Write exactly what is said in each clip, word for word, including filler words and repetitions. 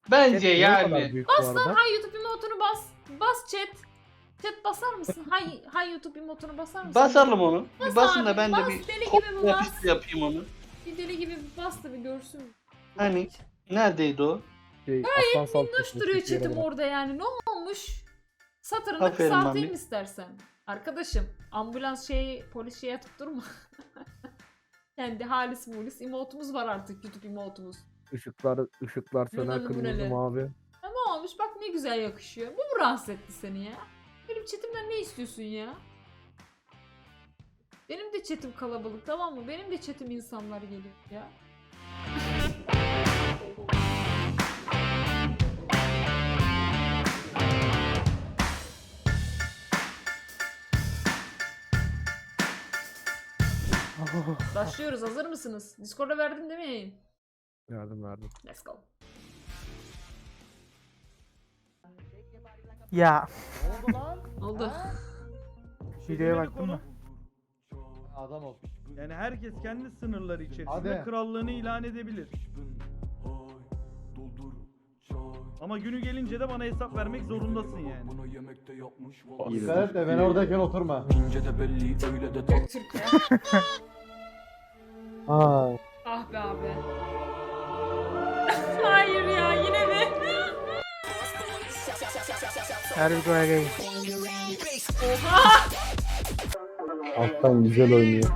Bence Chat niye bu kadar yani. büyük Bas bu lan arada? hay YouTube emotunu bas. Bas chat. Chat basar mısın? Hay hay YouTube emotunu basar mısın? Basalım onu. Bas Bir basın abi, da ben de bas, bir deli gibi kopya bas. yapıştır yapayım onu. Bir deli gibi bir bas da bir görsün. Hani neredeydi o? Şey, aslan sal Minnoş sesini duruyor hiçbir yere chatim bırak. orada yani. Ne olmuş? Satırını Aferin kısaltayım mami. istersen. Arkadaşım ambulans şeyi polis şeye atıp durma. Kendi halis mulis emotumuz var artık, YouTube emotumuz. Işıklar, ışıklar söner Nanalı kırmızı müneli. mavi. Ha, ne olmuş bak ne güzel yakışıyor. Bu mu rahatsız etti seni ya? Benim chatimden ne istiyorsun ya? Benim de chatim kalabalık, tamam mı? Benim de chatim insanlar geliyor ya. Başlıyoruz, hazır mısınız? Discord'a verdim değil mi? Yardım verdim. Let's go. Ya Oldu. videoya baktın mı? Adam ol. Yani herkes kendi sınırları içerisinde Hadi. krallığını ilan edebilir. Ama günü gelince de bana hesap vermek zorundasın yani. Dikkat et de ben oradayken oturma. Göktürk ya. Aa, Ah be abi. Hayır ya, yine mi? Her videoya gelin. Oha! alttan güzel oynuyor.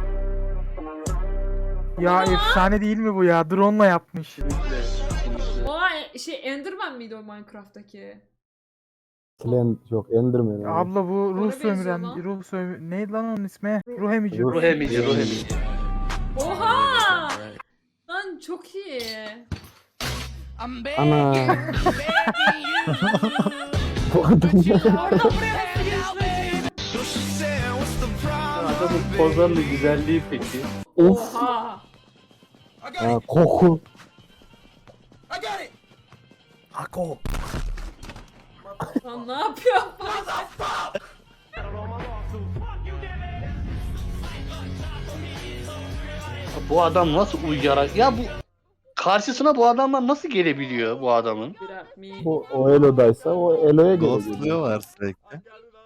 Ya efsane değil mi bu ya? Drone'la yapmış. Oha, şey Enderman miydi o Minecraft'taki? Slen yok Enderman. abi. Abla bu Ona ruh benziyor sömüren, lan. ruh sömüren, neydi lan onun ismi? Ruh emici. Ruh- Ruh emici, ruh emici. Oha! Lan çok iyi. Ana. Bu adam Oradan buraya nasıl geçmedi? Adamın pozlarının güzelliği peki. of. Oha! Aa, koku. Ako. Lan ne yapıyor? Bu adam nasıl uyuyarak ya bu karşısına bu adamlar nasıl gelebiliyor bu adamın? Birer mi? Bu o Elo'daysa o Elo'ya gelecek. Ghostluyorlar sürekli.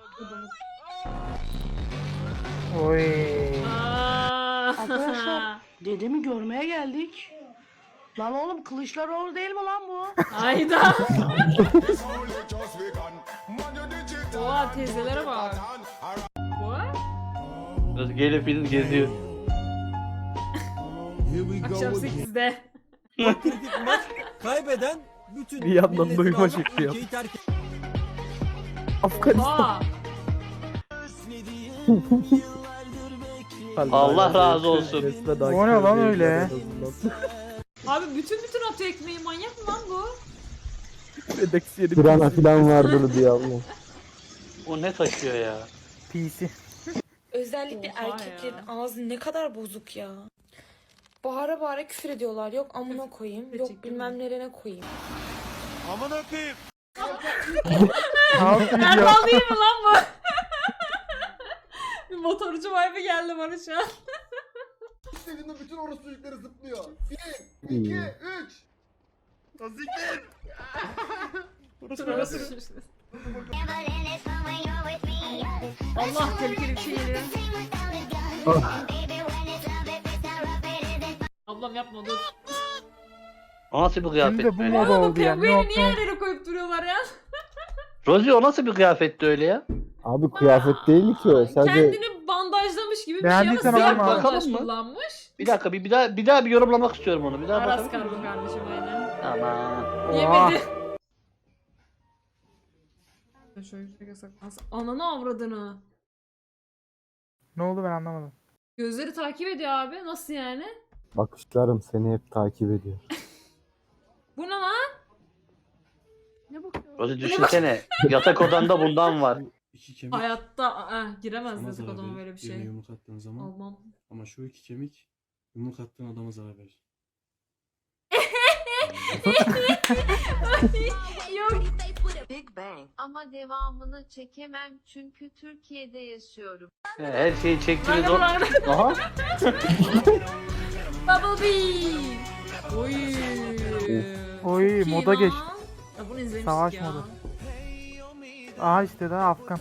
Oy. Arkadaşlar, dedemi görmeye geldik. Lan oğlum Kılıçdaroğlu değil mi lan bu? Hayda. Oha, teyzelere bak. What? Biraz gelip gidip geziyor. Akşam sekizde. Kaybeden bütün Bir yandan milletin duyma alıp şekli yap. ülkeyi terk Oha. Allah razı olsun. O ne lan öyle? Abi bütün bütün atıyor ekmeği, manyak mı lan bu? FedEx yeri. Pirana falan vardır diye abla. O ne taşıyor ya? P C. Özellikle Oha erkeklerin ya. ağzı ne kadar bozuk ya. Bağıra bağıra küfür ediyorlar. Yok amına koyayım, yok Gerçekten bilmem nerene koyayım. Amına koyayım. Ne yapıyor? Erdal değil mi lan bu? Bir motorcu vibe geldi bana şu an. İstediğinde bütün orospu çocukları zıplıyor. Bir, iki, üç. Allah, tehlikeli bir şey geliyor. Ablam yapma, dur. O nasıl bir kıyafet Şimdi bu böyle? moda Ya? Bu oldu ya. pengueni Yok niye yok. her yere koyup duruyorlar ya? Rosie o nasıl bir kıyafetti öyle ya? Abi kıyafet değil ki o. Sadece Kendini bandajlamış gibi bir şey ama Beğendiysen siyah alma abi. bandaj Bakalım mı? kullanmış. Bir dakika bir, bir daha bir daha bir yorumlamak istiyorum onu. Bir daha Aras bakabilir kargo miyim? kardeşim aynen. Aman. Oha. Yemedi. Şöyle yüksek yasaklansın. Ananı avradını. Ne oldu ben anlamadım. Gözleri takip ediyor abi. Nasıl yani? bakışlarım seni hep takip ediyor. Bu ne lan? Ne bakıyor? Rosie düşünsene. Yatak odanda bundan var. İki kemik Hayatta ah, giremez sana desek zarar adama verir, böyle bir birine şey. yumruk attığın zaman. Almam. Ama şu iki kemik yumruk attığın adama zarar verir. Yok. Big Bang. Ama devamını çekemem çünkü Türkiye'de yaşıyorum. Her şeyi çektiğiniz o... Bırak, bırak. Aha. Bubble Bee. Oy. Oy, Çok iyi moda lan. geçti. Ya bunu izlemiştik Savaş ya. modu. Aha işte daha Afgan.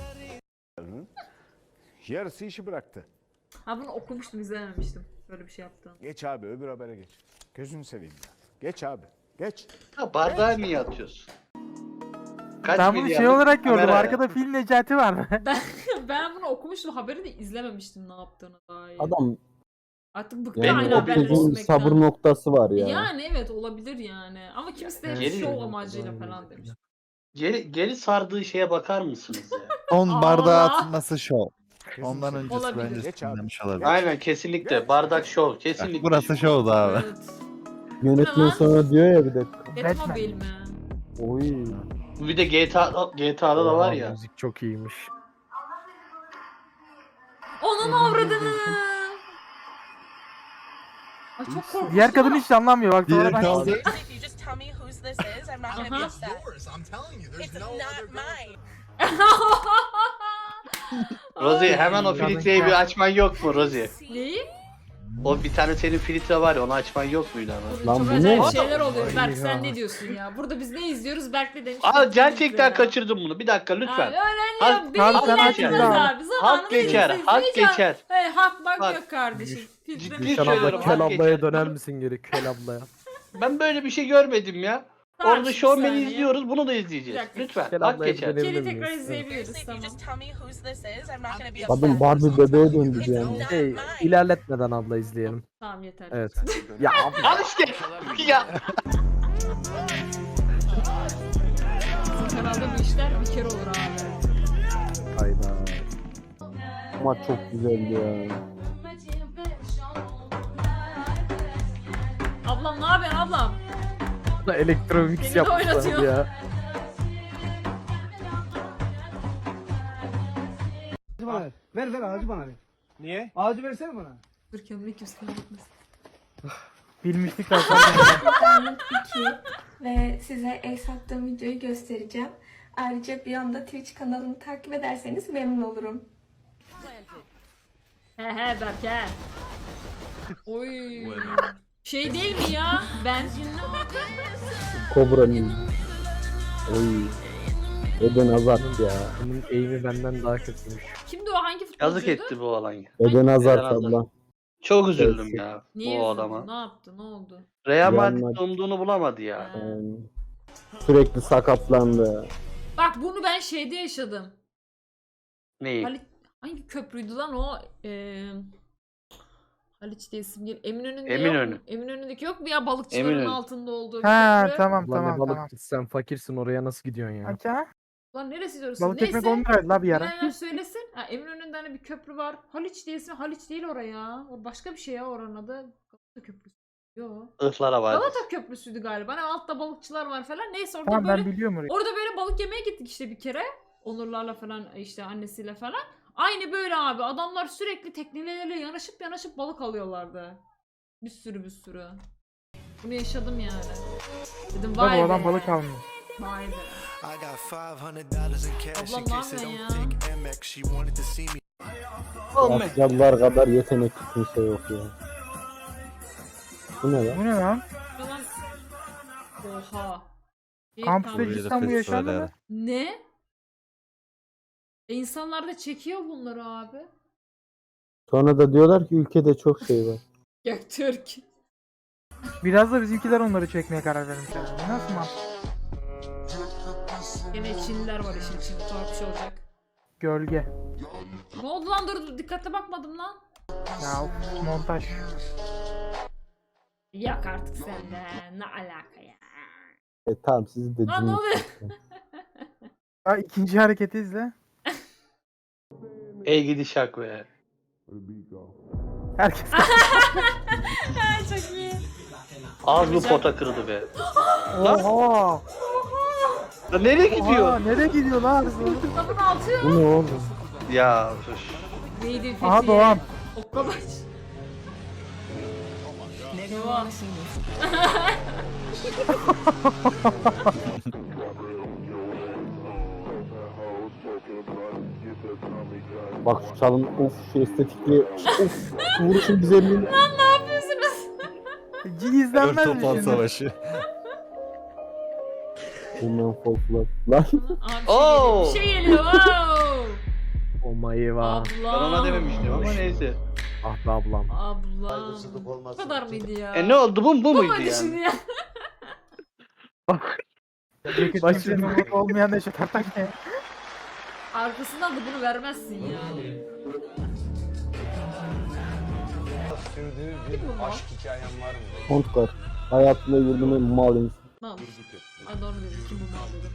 Yarısı işi bıraktı. Ha bunu okumuştum, izlememiştim. Böyle bir şey yaptığını. Geç abi öbür habere geç. Gözünü seveyim ya. Geç abi. Geç. Ha, bardağı niye atıyorsun? Kaç Ben bunu şey milyarlık olarak gördüm. kamera ya? Arkada fil Necati var. Ben, ben bunu okumuştum, haberi de izlememiştim ne yaptığını dair. Adam Artık bıktı yani aynı o haberleri çocuğun izlemekten. sabır noktası var ya. Yani evet olabilir yani. Ama kimisi de hep Geri- şov amacıyla falan demiş. Geri, geri sardığı şeye bakar mısınız ya? Son Aa! bardağı atılması şov. Gözünü Ondan seveyim. öncesi Olabilir. bence Geç abi. sinirlenmiş olabilir. Aynen kesinlikle. Bardak şov. Kesinlikle. Burası şovdu abi. Evet. Yönetmen Ne lan? sonra diyor ya bir de. Batmobile mi? Oy. Bir de G T A, G T A'da da var ya. Müzik çok iyiymiş. Onun avradını. Ay çok korkunç. Diğer kadın hiç anlamıyor. Bak Diğer sonradan. kaldı. Aha. Rozi hemen o Ay. filtreyi bir açman yok mu Rozi? Neyi? O bir tane senin filtre var ya onu açman yok muydu ama? Lan Çok bu acayip ne? şeyler oluyor. Ay Berk ya. sen ne diyorsun ya? Burada biz ne izliyoruz? Berk de demiş. Aa ki, gerçekten ya. kaçırdım bunu. Bir dakika Abi lütfen. öğren Hak- ya. Beni hak ilgilendirmez geçer. abi. Zamanında Hak geçer. izleyeceğiz. Hak Hiç- geçer. Hey, hak bak Bak. yok kardeşim. Filtre Ciddi mi? Gülşen söylüyorum, abla Kel hak ablaya geçer. döner misin geri Kel ablaya? Ben böyle bir şey görmedim ya. Tamam, Orada bir Showman'i saniye. izliyoruz. Bunu da Bir izleyeceğiz. dakika. Lütfen. Kel Hak ablaya geçer. dönebilir Geri miyiz? tekrar Evet. izleyebiliriz tamam. Kadın Barbie bebeğe döndü yani. Hey, ilerletmeden abla izleyelim. Tamam yeter. Evet. Ya abla. Al işte. Ya. Bizim kanalda bu işler bir kere olur abi. Hayda. Ama çok güzeldi ya. Ablam ne yapıyorsun ablam? Elektro mix Beni de yapmışlar oynatıyor. ya. Ver ver ağacı bana ver. Niye? Ağacı versene bana. Dur kendine kimse gitmesin. Bilmiştik ben. iki ve size el sattığım videoyu göstereceğim. Ayrıca bir anda Twitch kanalımı takip ederseniz memnun olurum. He he Berk he. Oy. Şey değil mi ya? Ben Kobra mıydı? Oy. Eden Hazard ya. Bunun eğimi benden daha kötüymüş. kimdi o, hangi futbolcuydu? Yazık etti bu olan ya. Eden Hazard Eden Hazard. abla. Çok üzüldüm ya Niye bu üzüldün? adama. Ne yaptı? Ne oldu? Real Real Madrid Madrid. umduğunu bulamadı ya. Ha. Yani sürekli sakatlandı. Bak bunu ben şeyde yaşadım. Neyi? Halit, hangi köprüydü lan o? Ee, Haliç diye isim değil. Eminönü'nde Eminönü. yok mu? Eminönü'ndeki yok mu ya balıkçıların Eminönü. altında olduğu bir Ha köprü? tamam Abla ne tamam balık tamam. sen fakirsin oraya nasıl gidiyorsun ya? Aç ha. Lan neresi diyorsun? Balık ekmek Neyse. on liraydı la bir ara. Bilenler söylesin. Ha, Eminönü'nde hani bir köprü var. Haliç diye ismi. Haliç değil oraya. O başka bir şey ya oranın adı. Galata Köprüsü. Yo. Ihlara var. Galata Köprüsü'ydü galiba. Hani altta balıkçılar var falan. Neyse orada Tamam böyle ben biliyorum orayı. orada böyle balık yemeye gittik işte bir kere. Onurlarla falan işte annesiyle falan. Aynı böyle abi. Adamlar sürekli teknelerle yanaşıp yanaşıp balık alıyorlardı. Bir sürü bir sürü. Bunu yaşadım yani. Dedim Bak vay be. o adam balık almıyor. Vay be. Ablam Ablam ne yapıyorsun ya? Asyalılar kadar yetenekli kimse yok ya. Bu ne lan? Bu ne lan? Falan. Oha. İyi, Kampüste tamam. cidden bu yaşandı mı? Ne? E insanlar da çekiyor bunları abi. Sonra da diyorlar ki ülkede çok şey var. Göktürk. Biraz da bizimkiler onları çekmeye karar vermişler. Bu nasıl mantık? Yine Çinliler var işin içinde. Tuhaf bir şey olacak. Gölge. Ne oldu lan, dur dur dikkate bakmadım lan. Ya of, montaj. Yok artık sende. Ne alaka ya. E tamam siz de Lan ne oluyor? Ha, ikinci hareketi izle. Ey gidi şak be. Herkes Çok iyi. Az bu pota kırdı be. Oha! Ya nereye Oha! gidiyor? Nereye gidiyor lan? Kitabın altı. Bu ne oğlum? Ya üf. Neydi Fethi? Aha Doğan. Okkabaş. Doğan. Bak şu çalın of şu estetikli of şu vuruşun güzelliğini. Lan ne yapıyorsunuz? Cin izlenmez mi Toplan şimdi? savaşı. Human Fall Flat. Lan. Abi bir şey geliyor. Bir şey geliyor. Oh my Ablam. Ben ona dememiştim ama neyse. Ah be ablam. Ablam. Bu kadar mıydı ya? E ne oldu, bu, bu Bu muydu muydu yani? şimdi ya? Ceket kimsenin umurunda olmayan da şu tartak ne? Arkasından da bunu vermezsin ya. Sürdüğü Kim bu mal? hikayem var mı? Kontkar. Hayatında gördüğüm en mal insan. Mal. Aa, doğru dedim. Kim bu mal dedim.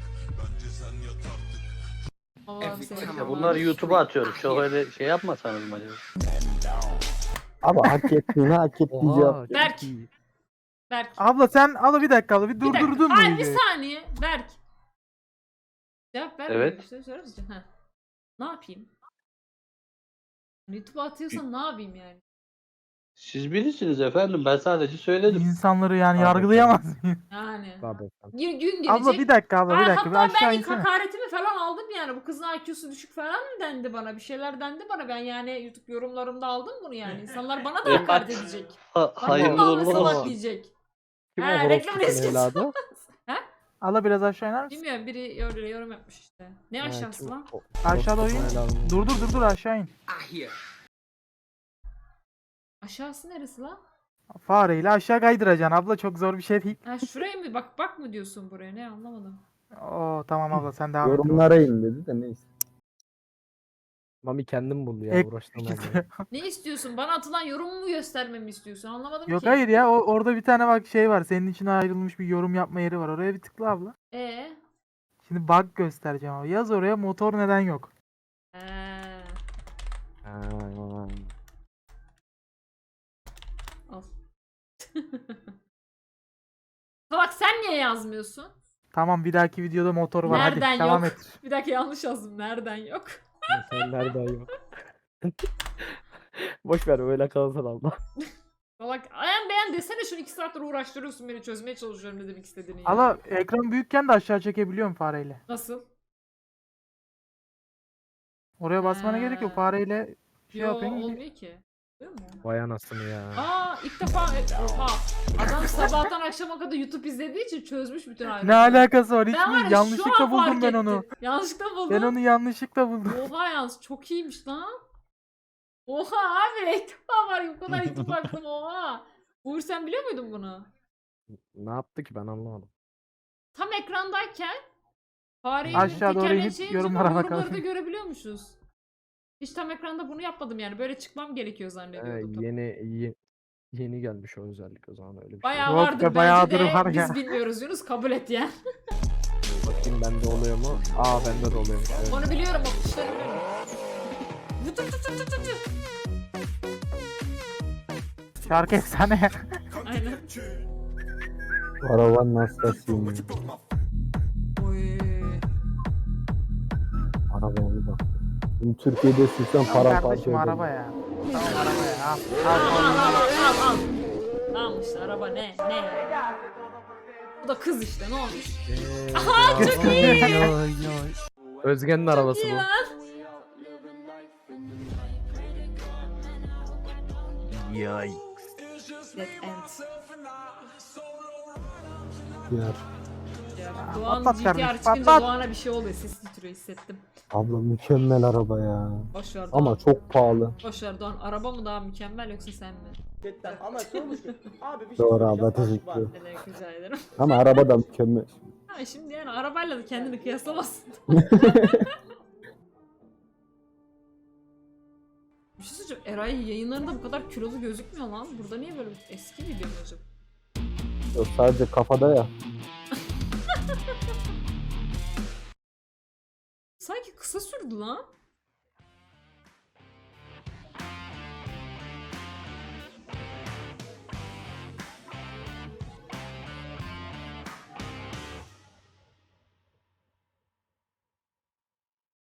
Allah'ım seni. Ya bunları YouTube'a atıyorum. Çok öyle şey yapmasanız mı acaba? Abi hak ettiğini hak ettiği cevap. Berk. Berk. Abla sen abla bir dakika abla bir Bir dakika. durdurdun mu Ay bir videoyu? saniye. Berk. Cevap ver. Evet. Bir şey söyler misin? Ha. Ne yapayım? YouTube'a atıyorsan ne yapayım yani? Siz bilirsiniz efendim. Ben sadece söyledim. İnsanları yani Abi, yargılayamaz mıyım? Yani. Tabii. Gün, gün gelecek. Abla bir dakika abla bir Aa, dakika bir hatta aşağı ben ilk insene. hakaretimi falan aldım yani. Bu kızın I Q'su düşük falan mı dendi bana? Bir şeyler dendi bana. Ben yani YouTube yorumlarımda aldım bunu yani. İnsanlar bana da hakaret edecek. Ha, Bak hayırlı Allah uğurlu salak olsun. diyecek. Kim Ha, o reklam horoz eskisi. evladı? Abla biraz aşağı iner misin? Bilmiyorum biri öyle yorum yapmış işte. Ne aşağısı lan? Aşağı doğru in. Dur dur dur dur aşağı in. Aşağısı neresi lan? Fareyle aşağı kaydıracaksın abla çok zor bir şey değil. Ha şuraya mı? Bak bak mı diyorsun buraya? Ne anlamadım. Oo tamam abla sen devam et. Yorumlara in dedi de neyse. Mami kendim buldu ya Ek- uğraştım abi. Ne istiyorsun? Bana atılan yorumu mu göstermemi istiyorsun? Anlamadım Yok ki. hayır ya o, orada bir tane bak şey var senin için ayrılmış bir yorum yapma yeri var oraya bir tıkla abla. Ee? Şimdi bug göstereceğim abi yaz oraya motor neden yok. Ee. Al. Salak sen niye yazmıyorsun? Tamam bir dahaki videoda motor var Nereden hadi devam yok? et. Bir dakika yanlış yazdım. Nereden yok? Sen nereden yok? Boş ver öyle kalsın abla. Salak ayan beğen desene şunu iki saattir uğraştırıyorsun beni çözmeye çalışıyorum ne demek istediğini ya. Allah ekran büyükken de aşağı çekebiliyorum fareyle. Nasıl? Oraya basmana Ha. gerek yok fareyle şey Yo yapıyorsun gidiyor. olmuyor ki. Değil mi? Vay anasını ya. Aa ilk defa oha. Adam sabahtan akşama kadar YouTube izlediği için çözmüş bütün Ne ayrıntıları. alakası var hiç Ben var mi? ya, Yanlışlıkla şu an buldum fark ben ettim. onu. Yanlışlıkla buldum. Ben onu yanlışlıkla buldum. Oha yalnız çok iyiymiş lan. Oha abi ilk defa var ya bu kadar YouTube baktım oha. Uğur sen biliyor muydun bunu? Ne yaptı ki ben anlamadım. Tam ekrandayken fareyi Aşağı doğru inip tekerleşince yorumlara yorumları bakalım. da görebiliyormuşuz. Hiç tam ekranda bunu yapmadım yani. Böyle çıkmam gerekiyor Ee, zannediyordum. yeni ye- yeni gelmiş o özellik o zaman öyle bir Bayağı Yok vardır be, bence bayağıdır de var biz ya. bilmiyoruz Yunus kabul et yani. şey. Bakayım bende oluyor mu? Aa bende de oluyormuş. Evet. Onu biliyorum o kuşları biliyorum. Vıtı vıtı vıtı vıtı. Şarkı efsane. Aynen. Arabanın hastasıyım ya. Oy. Arabaya bir bak. Şimdi Türkiye'de sürsen Al paramparça kardeşim ederim. araba ya. Tamam araba ya al. Al Al. al al al al. Tamam işte araba ne ne. Bu da kız işte ne olmuş. Aha çok iyi. Özge'nin arabası İyi bu. lan. Yay. Dead End. Ya, Doğan patlat G T R kardeşim, çıkınca patlat. Doğan'a bir şey oluyor. Ses titriyor hissettim. abla mükemmel araba ya. Boşver Doğan. Ama çok pahalı. Boşver Doğan. Araba mı daha mükemmel yoksa sen mi? Ama sormuş ki abi bir Doğru abla teşekkür ederim. Ne demek rica ederim. Ama araba da mükemmel. Ha şimdi yani arabayla da kendini kıyaslamazsın. Bir şey söyleyeceğim. Eray yayınlarında bu kadar kilolu gözükmüyor lan. Burada niye böyle eski video mu acaba? Yok sadece kafada ya. Sanki kısa sürdü lan.